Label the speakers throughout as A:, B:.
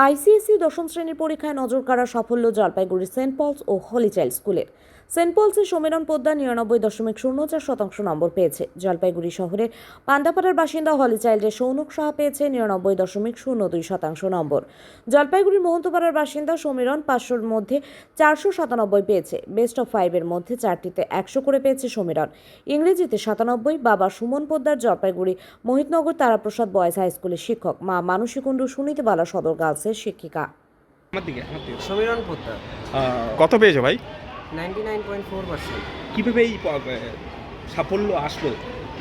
A: ICSE দশম শ্রেণীর পরীক্ষায় নজর কাড়া সাফল্য জলপাইগুড়ি সেন্ট পলস ও হলি চাইল্ড স্কুলের। সেন্ট পলসের সমীরণ পোদ্দার 99.04 নম্বর পেয়েছে। জলপাইগুড়ি শহরের পান্ডাপাড়ার বাসিন্দা হলি চাইল্ডের সৌনক সাহা পেয়েছে 99.02 নম্বর। জলপাইগুড়ির মহন্তপাড়ার বাসিন্দা সমীরণ 500-র মধ্যে 497 পেয়েছে। বেস্ট অফ 5-এর মধ্যে 4টিতে 100 করে পেয়েছে সমীরণ। ইংরেজিতে 97। বাবা সুমন পোদ্দার জলপাইগুড়ি মোহিতনগর তারাপ্রসাদ বয়েজ হাই স্কুলের শিক্ষক, মা মানসী কুণ্ডু সুনীতিবালা সদর গার্লসের শিক্ষিকা।
B: সমীরণ পোদ্দার
C: কত পেয়েছো ভাই?
B: 99.4%।
C: কিভাবে এই সাফল্য আসলো?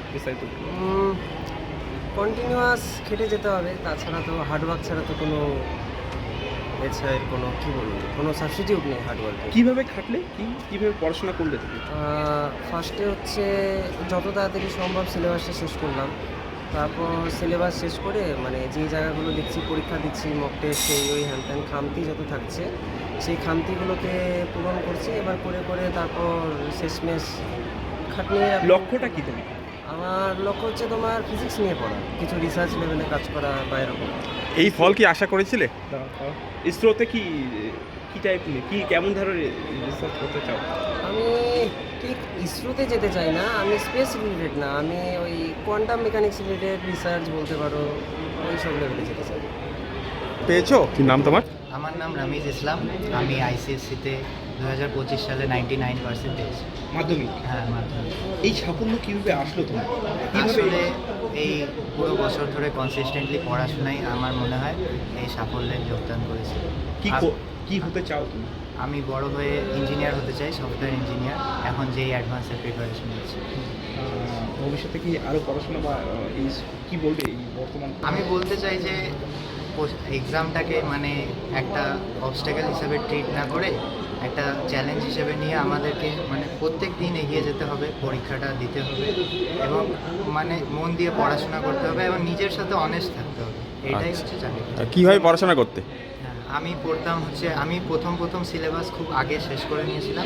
B: কন্টিনিউয়াস খেটে যেতে হবে, তাছাড়া তো হার্ডওয়ার্ক ছাড়া তো কোনো এছাড়া কোনো সাবস্টিটিউট নেই হার্ডওয়ার্কে।
C: কিভাবে খাটলে? কিভাবে পড়াশোনা করলে তুমি?
B: ফার্স্টে হচ্ছে যত তাড়াতাড়ি সম্ভব সিলেবাসটা শেষ করলাম। তারপর সিলেবাস শেষ করে মানে যেই জায়গাগুলো দেখছি পরীক্ষা দিচ্ছি, মক টেস্ট, ওই হ্যান ত্যান খামতি যত থাকছে সেই খামতিগুলোকে পূরণ করছি এবার করে তারপর শেষমেশ খাটনিয়ে।
C: লক্ষ্যটা কি তুমি?
B: আমার লক্ষ্য হচ্ছে তোমার ফিজিক্স নিয়ে পড়া, কিছু রিসার্চ লেভেলে কাজ করা বা এরকম।
C: এই ফল কি আশা করেছিলে? ইসরোতে কি টাইপ কেমন ধরনের রিসার্চ করতে চাও?
B: আমি ঠিক ইসরোতে যেতে চাই না, আমি স্পেস রিলেটেড না, আমি ওই কোয়ান্টাম মেকানিক্স রিলেটেড রিসার্চ বলতে পারো, ওই সব লেভেলে যেতে চাই।
C: পেয়েছো? কি নাম তোমার?
D: আমার নাম রামিজ ইসলাম। আমি আইসিএসসিতে 2025 সালে 99% পেয়েছি।
C: মাধ্যমিক?
D: হ্যাঁ, মাধ্যমিক।
C: এই সাফল্য কিভাবে আসলো তোমার?
D: আসলে এই পুরো বছর ধরে কনসিস্টেন্টলি পড়াশোনাই আমার মনে হয় এই সাফল্যে যোগদান করেছে।
C: কি হতে চাও তুমি?
D: আমি বড় হয়ে ইঞ্জিনিয়ার হতে চাই, সফটওয়্যার ইঞ্জিনিয়ার। এখন যেই অ্যাডভান্সের প্রিপারেশন নিচ্ছি।
C: ভবিষ্যতে কি আরও পড়াশোনা বা এই কি বলবে এই বর্তমান?
D: আমি বলতে চাই যে এক্সামটাকে মানে একটা অবস্ট্যাকেল হিসেবে ট্রিট না করে একটা চ্যালেঞ্জ হিসেবে নিয়ে আমাদেরকে মানে প্রত্যেক দিন এগিয়ে যেতে হবে, পরীক্ষাটা দিতে হবে এবং মানে মন দিয়ে পড়াশোনা করতে হবে এবং নিজের সাথে অনেস্ট থাকতে হবে। এটাই হচ্ছে চাকরি।
C: কীভাবে পড়াশোনা করতে?
D: হ্যাঁ, আমি পড়তাম হচ্ছে আমি প্রথম সিলেবাস খুব আগে শেষ করে নিয়েছিলাম।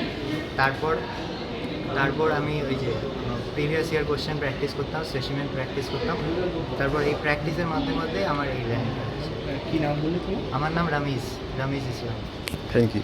D: তারপর আমি ওই যে প্রিভিয়াস ইয়ার কোশ্চেন প্র্যাকটিস করতাম, স্পেসিমেন প্র্যাকটিস করতাম। তারপর এই প্র্যাকটিসের মাধ্যমে এই র্যাঙ্কটা হয়েছে।
C: কী নাম বললে তুমি?
D: আমার নাম রামিজ ইসলাম।
C: Thank you.